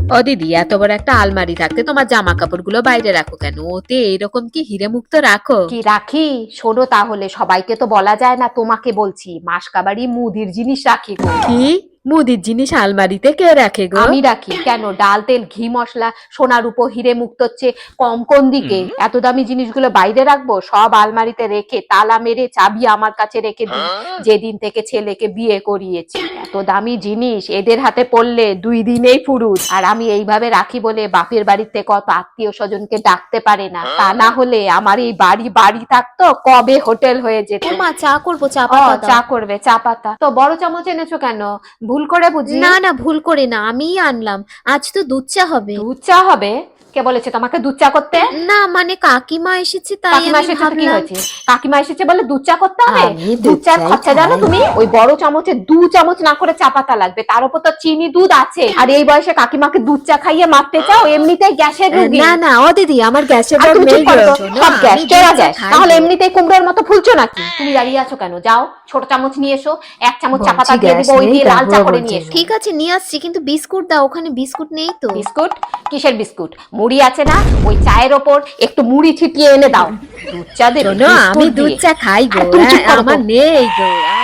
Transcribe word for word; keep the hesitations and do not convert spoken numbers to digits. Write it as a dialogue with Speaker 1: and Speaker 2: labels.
Speaker 1: ও দিদি, এত বড় একটা আলমারি থাকতে তোমার জামা কাপড় গুলো বাইরে রাখো কেন? ওতে এরকম কি হিরে মুক্ত রাখো?
Speaker 2: কি রাখি শোনো তাহলে, সবাইকে তো বলা যায় না, তোমাকে বলছি মাসকাবাড়ি মুদির জিনিস রাখি গো।
Speaker 1: কি? মুদির জিনিস আলমারিতে কে রাখে গো?
Speaker 2: আমি রাখি কেন? ডাল তেল ঘি মশলা সোনার উপর হিরে মুক্ত হচ্ছে কম কোন দিকে? এত দামি জিনিসগুলো বাইরে রাখবো? সব আলমারিতে রেখে তালা মেরে চাবি আমার কাছে রেখে দিই যেদিন থেকে ছেলেকে বিয়ে করিয়েছি। এত দামি জিনিস এদের হাতে পড়লে দুই দিনেই ফুরুত। আর আমি এইভাবে রাখি বলে বাপের বাড়ির থেকে কত আত্মীয় স্বজনকে ডাকতে পারে না, তা না হলে আমার এই বাড়ি বাড়ি থাকতো কবে হোটেল হয়ে যেত।
Speaker 3: মা চা করবো, চা
Speaker 2: ও
Speaker 3: পাতা
Speaker 2: চা
Speaker 3: দাও।
Speaker 2: করবে? চা পাতা তো বড় চামচ এনেছো কেন? ভুল করে বুঝি?
Speaker 3: না না, ভুল করে না, আমিই আনলাম। আজ তো দুধ চা হবে।
Speaker 2: দুধ চা হবে? কে বলেছে তোমাকে দুধ চা করতে?
Speaker 3: না মানে কাকিমা এসেছে তাই
Speaker 2: কাকিমা
Speaker 3: আমি
Speaker 2: এসেছে তো কি
Speaker 3: ভাবলাম।
Speaker 2: হয়েছে? কাকিমা এসেছে বলে দুধ চা করতে হবে?
Speaker 1: আমি
Speaker 2: দুধ
Speaker 1: দুধ
Speaker 2: চার
Speaker 1: চাই
Speaker 2: খরচা জানো
Speaker 1: খাই।
Speaker 2: তুমি? ওই বড় চামচে দু চামচ না করে চা পাতা লাগবে, তার উপর তো চিনি দুধ আছে। আর এই বয়সে কাকিমাকে দুধ চা খাইয়ে মারতে চাও? এমনিতেই গ্যাসের রোগী।
Speaker 1: না না ও দিদি, আমার গ্যাসের
Speaker 2: আর
Speaker 1: রোগ
Speaker 2: তুমি
Speaker 1: নেই
Speaker 2: চুপ করো
Speaker 1: গো।
Speaker 2: তো,
Speaker 1: শোনো,
Speaker 2: সব গ্যাস
Speaker 1: আমি
Speaker 2: টেরা
Speaker 1: দুধ চা
Speaker 2: গ্যাস,
Speaker 1: খাই
Speaker 2: তাহলে
Speaker 1: গো।
Speaker 2: এমনিতেই কুমড়োর মতো ফুলছো নাকি? তুমি দাঁড়িয়ে আছো কেন? যাও ছোট চামচ নিয়ে এসো, এক চামচ চা পাতা
Speaker 1: বলছি
Speaker 2: দিয়ে
Speaker 1: গ্যাস
Speaker 2: দিবো, ওই
Speaker 1: নেই,
Speaker 2: দিয়ে লাল চা
Speaker 1: তারপর
Speaker 2: করে
Speaker 1: বলছে
Speaker 2: নিয়ে এসো।
Speaker 3: ঠিক আছে নিয়ে আসছি, কিন্তু বিস্কুট দাও, ওখানে বিস্কুট নেই তো।
Speaker 2: বিস্কুট? কিসের বিস্কুট? মুড়ি আছে না? ওই চায়ের ওপর একটু মুড়ি ছিটিয়ে এনে দাও। দুধ চা দেবে
Speaker 1: শোনো, আমি
Speaker 2: বিস্কুট
Speaker 1: দুধ
Speaker 2: দিয়ে?
Speaker 1: চা খাই গো।
Speaker 2: আর তুমি চুপ করো তো।
Speaker 1: আমার নেই গো।